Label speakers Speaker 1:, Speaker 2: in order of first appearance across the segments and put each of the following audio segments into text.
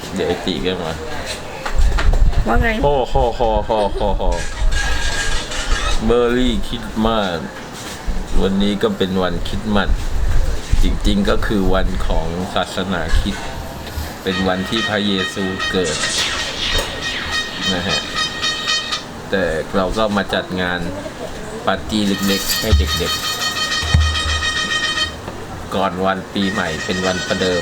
Speaker 1: เดี๋ยวไอติก็มา
Speaker 2: ว่าไง
Speaker 1: โฮเบอร์รี่คริสต์มาสวันนี้ก็เป็นวันคริสต์มาสจริงๆก็คือวันของศาสนาคริสต์เป็นวันที่พระเยซูเกิดนะฮะแต่เราก็มาจัดงานปาร์ตี้เล็กๆให้เด็กๆก่อนวันปีใหม่เป็นวันประเดิม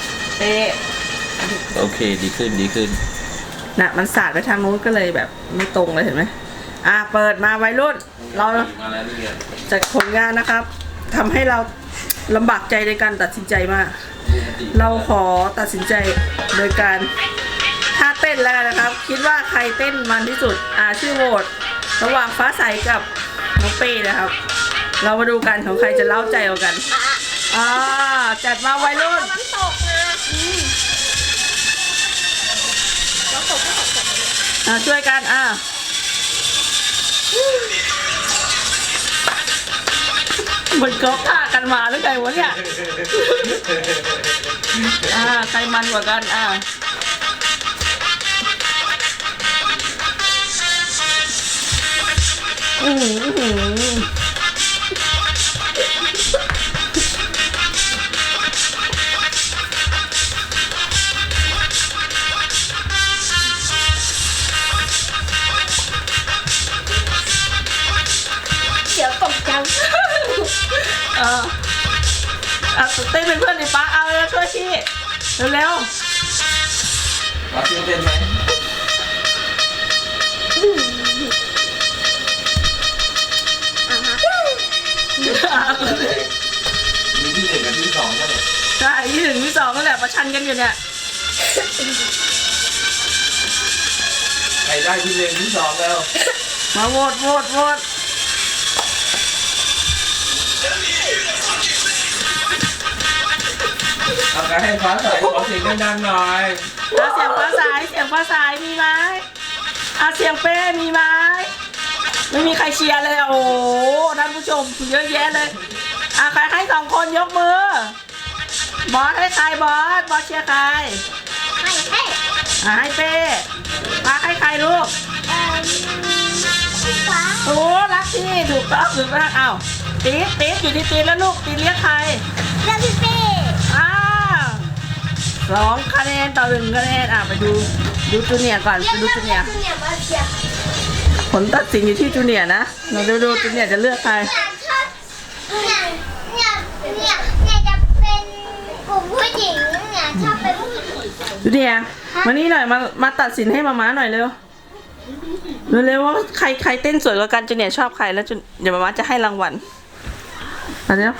Speaker 1: โอเคดีขึ้น
Speaker 2: น่ะมันสาดไปทางนู้นก็เลยแบบไม่ตรงเลยเห็นไหมเปิดมาวัยรุ่นเราจากผลงานนะครับทำให้เราลำบากใจในการตัดสินใจมากเราขอตัดสินใจโดยการท่าเต้นแล้วนะครับคิดว่าใครเต้นมันที่สุดชื่อโหวตระหว่างฟ้าใสกับน้องเป้นะครับเรามาดูกันของใครจะเล้าใจกว่ากันจัดมาวัยรุ่น
Speaker 3: มันตกนะ
Speaker 2: ช่วยกันมันก๊อปท่ากันมาหรือไงวะเนี่ยใครมันกว่ากัน
Speaker 3: เดี๋ยวตกจัง
Speaker 2: เต้นเป็นเพื่อนดิป้าเอาเลยช่วยพี่เร็ว
Speaker 1: ป้าเต้นไหมมีที่หนึ่งกับที่สองก็เลย
Speaker 2: ใช่ที่หนึ่งที่สองนั่นแหละประชันกันอยู่เนี่ย
Speaker 1: ใครได้ที่หนึ่งที่สองแล้ว
Speaker 2: มาโหวต
Speaker 1: เอาการให้ฟ้าใสขอเสียงดังๆหน่อย
Speaker 2: เสียงฟ้าใสมีไหมเสียงเป้มีไหมไม่มีใครเชียร์เลยโอ้โหท่านผู้ชมเยอะแยะเลยใครให้2 คนยกมือบอสให้ใครบอสเชียร์ใครให้เป้ให้ใครลูกโอ้รักที่ถูกต้องตีอยู่ที่ตีแล้วลูกตีเรียกใคร
Speaker 3: เรื่องพี่เป้
Speaker 2: 2 คะแนนต่อ 1 คะแนนไปดูจูเนียร์ก่อนไปดูจูเนียร์ผลตัดสินอยู่ที่จูเนียร์นะเราดูจูเนียร์จะเลือกใคร
Speaker 3: เนี่ยจะเป็นกลุ่มผู้หญิงเนี่ยชอบเป็นผู้หญิง
Speaker 2: จูเนียร์มานี่หน่อยมาตัดสินให้มาม้าหน่อยเร็วว่าใครเต้นสวยกว่ากันจูเนียร์ชอบใครแล้วเดี๋ยวมาม้าจะให้รางวัลเดี๋ยว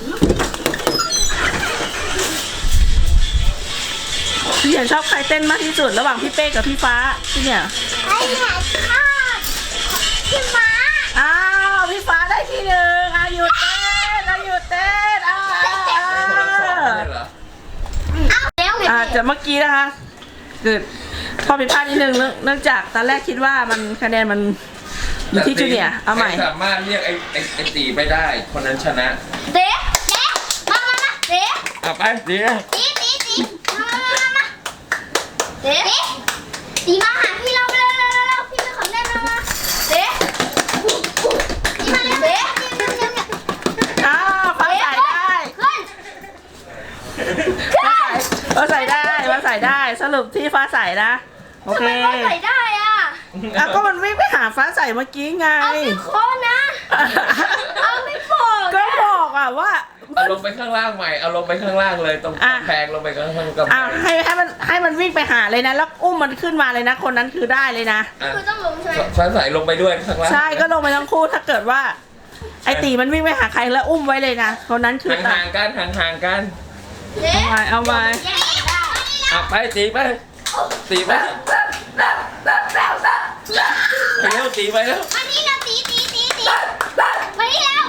Speaker 2: พี่อยากชอบใครเต้นมากที่สุดระหว่างพี่เป้กับพี่ฟ้าพี่เนี่ย
Speaker 3: ชอบพี่ฟ้า
Speaker 2: พี่ฟ้าได้ที่ 1หยุดเต้นจะเมื่อกี้นะคะเกิดข้อผิดพลาดนิดนึงเนื่องจากตอนแรกคิดว่ามันคะแนนมันอยู่ที่จูเนียร์เอาใหม่
Speaker 1: สามารถเรียกไอตีไปได้คนนั้นชนะ
Speaker 3: เด๊มาเด๊
Speaker 1: ไปตี
Speaker 3: ตีมาหาพี่เราเร็วพี่เป็นของเล่นมาเด๊ตีมาเด๊
Speaker 2: ฟ้าใส่ได้ฟ้าใส่ได้สรุปที่ฟ้าใส่นะโอเค
Speaker 3: ฟ้าใส่ได้
Speaker 2: ก็มันวิ่งไปหาฟ้าใส่เมื่อกี้ไง
Speaker 3: เอาไม่โค้นะเอาไม่บอก
Speaker 2: ก็บอกว่า
Speaker 1: เอาลงไปข้างล่างใหม่เอาลงไปข้างล่างเลยตรงแพงลงไปข้างล่างกำแพง
Speaker 2: ให้มันวิ่งไปหาเลยนะแล้วอุ้มมันขึ้นมาเลยนะคนนั้นคือได้เลยนะ
Speaker 3: คือต้องลงใช่ไหม
Speaker 1: ฟ้าใส่ลงไปด้วยข้างล่าง
Speaker 2: ใช่ก็ลงไปทั้งคู่ถ้าเกิดว่าไอตีมันวิ่งไปหาใครแล้วอุ้มไว้เลยนะคนนั้นคือ
Speaker 1: ห่างกัน
Speaker 2: เอาไป
Speaker 1: ไปตีไปไปเร็วตีไปแล้ว
Speaker 3: อันนี้นะตีไปแล้ว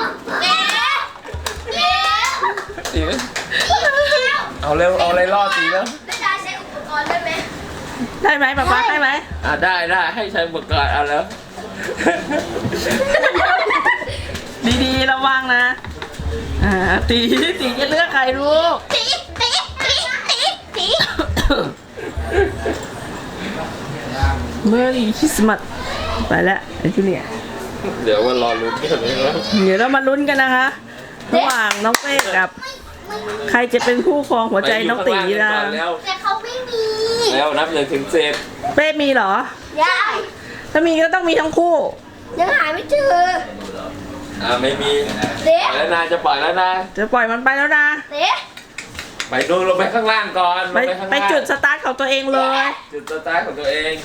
Speaker 1: ตีเอาเร็วเอาอะไรล่อตีแล้ว
Speaker 3: ได้ใช้อุปกรณ์ได้ไหม
Speaker 2: ป๊าได้ไหม
Speaker 1: ได้ให้ใช้อุปกรณ์เอาแล้ว
Speaker 2: ดีระวังนะตีจะเลือกใครลูก
Speaker 3: ตี
Speaker 2: เมื่อรีคริสต์มาสไปแล้วไอ้จูเนียร์
Speaker 1: เดี๋ยวมารอลุ้นกันนะครับ
Speaker 2: เดี๋ยวเรามาลุ้นกันนะคะระหว่างน้องเป้กับ ใครจะเป็นผู้ครองหัวใจน้องตี
Speaker 1: ไปอยู่
Speaker 2: นะ
Speaker 1: ข้างล่างกันก่อนแล้ว
Speaker 3: แต่เขาไม่มี
Speaker 1: แล้วนับ1 ถึง 10
Speaker 2: เป้มีเหรอ
Speaker 3: ได้
Speaker 2: ถ้ามีก็ต้องมีทั้งคู่
Speaker 3: ยังหาไม่เจอ
Speaker 1: ไม่มี
Speaker 3: เด็ก
Speaker 1: ปล่อยแล้วนะจะปล่อยแล้วนะ
Speaker 2: จะปล่อยมันไปแล้วนะ
Speaker 3: เด็ก
Speaker 1: ไปดูลงไปข้างล่างก่อนล
Speaker 2: ไป
Speaker 1: งไปข้าง
Speaker 2: ไป
Speaker 1: ล่าง
Speaker 2: จุดสตาร์ทของตัวเองเลย
Speaker 1: จุดสตาร์ทของตัวเอง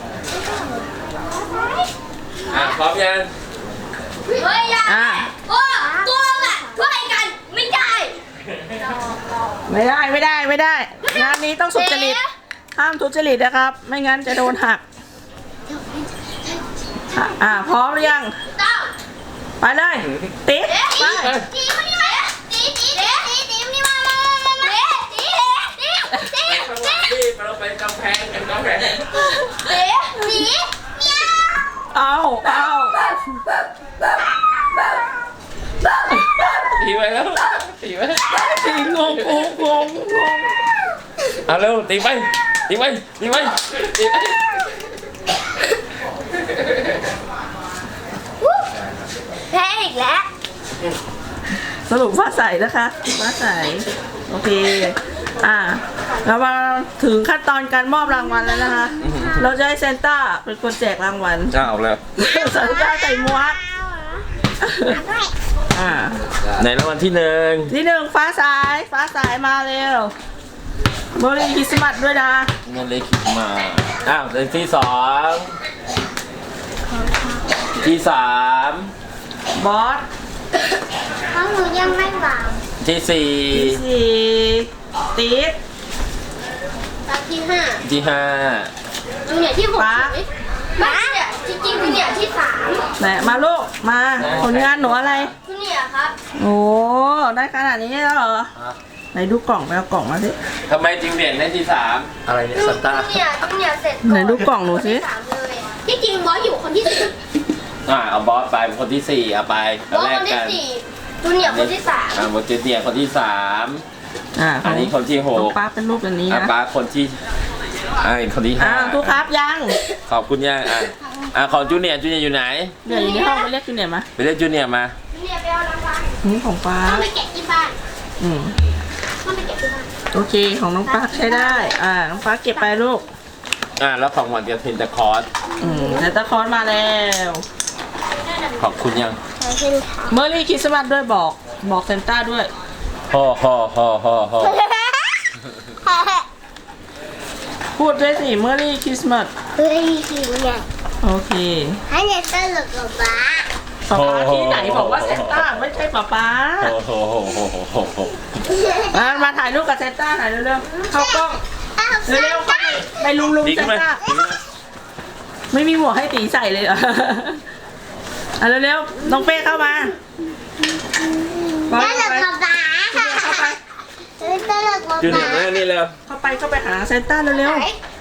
Speaker 1: พร้อมยัง
Speaker 3: เฮ้ยยา
Speaker 2: อ่ะ
Speaker 3: โอ้ตัวอ่ะช่วยกันไม่ได้
Speaker 2: ไม่ได้ งานนี้ต้องสุจริต ห้ามทุจริตนะครับ ไม่งั้นจะโดนหัก พร้อมหรือยัง
Speaker 3: ต้อง
Speaker 2: ไปเลยติ๊บไป
Speaker 3: ตีมานี่มาตีนี่มาตี
Speaker 1: ข้างล่างนี่เราไปกำแพงกันกำแพง
Speaker 3: เมียว
Speaker 2: เอา
Speaker 1: ตีไปแล้วตีไป
Speaker 2: ตีงง
Speaker 1: เอาเร็วตีไปตีไปตีไปตีไป
Speaker 3: แพ้อีกแล้ว
Speaker 2: สรุปฟ้าใสนะคะฟ้าใสโอเค เรามาถึงขั้นตอนการมอบรางวัลแล้วนะคะ เราจะให้เซนต้าเป็นคนแจกรางวัล
Speaker 1: เอาแล้ว
Speaker 2: เซนต้าใส่หมวก
Speaker 1: ในรางวัลที่
Speaker 2: ที่หนึ่งฟ้าใสมาเร็วโมลีคริสต์มาสด้วยนะ
Speaker 1: 1เงินเลยคิดมาในที่2ที่3
Speaker 2: บอส
Speaker 3: เพราะหนูยังไม่วาง
Speaker 1: ที่
Speaker 2: ที่
Speaker 1: 4
Speaker 2: สี่ติ๊บ
Speaker 3: ตอนที่ห้า
Speaker 1: ที่
Speaker 3: จูเนียร์ที่6ไม่เนี่ยจริงๆจูเนียร์ที่3
Speaker 2: ไหนมาลูกมาผลงานหนูอะไร
Speaker 3: จูเนียร์ครับ
Speaker 2: โอ้ได้ขนาดนี้แล้วเหรอไหนดูกล่องไปเอากล่องมาสิ
Speaker 1: 5ทำไมจึงเด่นได้ที่3อะไรเนี่ยซันต้า
Speaker 3: จูเนียร์เสร็จ
Speaker 2: ไหนดูกล่องหนูสิ
Speaker 3: ที่3เลยที่จริงบอสอยู่คนที่4
Speaker 1: เอาบอสไปเป็นคนที่ 4เอาไป
Speaker 3: บอส
Speaker 1: แล
Speaker 3: ค
Speaker 1: ก
Speaker 3: นที่
Speaker 1: กัน
Speaker 3: 4จูเนียร์คนที่3
Speaker 1: บอสเจเนียร์คนที่ 3อันนี้คนที่
Speaker 2: ของ
Speaker 1: 6
Speaker 2: ป้าเป็นรูปแบบนี้นะ
Speaker 1: ป้าคนที่คนที่
Speaker 2: ทุกครับยัง
Speaker 1: 5ขอบคุณย่าของจูเนียร์อยู่ไหน
Speaker 2: เดี๋ยวอยู่ในห้องไปเรียกจูเนียร์มา
Speaker 1: ไปเรียกจูเนียร์มา
Speaker 3: จูเนียร์ไปเอารางวัล
Speaker 2: นี่ของป้า
Speaker 3: ต้องไปแกะที่บ้าน
Speaker 2: อืม
Speaker 3: ต้องไปแกะที่บ้าน
Speaker 2: โอเคของน้องป้าใช้ได้น้องป้าเก็บไปลูก
Speaker 1: แล้วของหวานกับเทนตะคอร์ส
Speaker 2: เซนต้าคลอสมาแล้ว
Speaker 1: ขอบคุณยัง
Speaker 2: เมอร์รี่คริสต์มาสด้วยบอกเซนต้าด้วย
Speaker 1: ฮ่อ
Speaker 2: พูดด้วยสิเมอร์รี่คริสต์มาส
Speaker 3: เฮ้ยจูเนียร์
Speaker 2: โอเค
Speaker 3: ให้เนี่ยตลกกับบ้า
Speaker 2: ป๊าป๊าที่ไหนบอกว่าเซนต้าไม่ใช่ป๊าป๊ามาถ่ายรูปกับเซนต้าถ่ายเร็วๆเข้ากล้องเร็วๆเข้าไปลุง
Speaker 1: ดี
Speaker 2: เซ
Speaker 1: ขึ้น
Speaker 2: น
Speaker 1: ไหม
Speaker 2: ต้าไม่มีหมวกให้ตีใส่เลยเหรอเร็วๆน้องเป้เข้ามา
Speaker 3: ตลกกับบ้า
Speaker 2: เข้าไป
Speaker 3: ตลกกับ
Speaker 1: จูเนีย
Speaker 3: บ้า
Speaker 1: ร์มานี่แล้ว
Speaker 2: เข้าไปหาเซนต้าเร็ว
Speaker 3: ไหน
Speaker 2: ๆ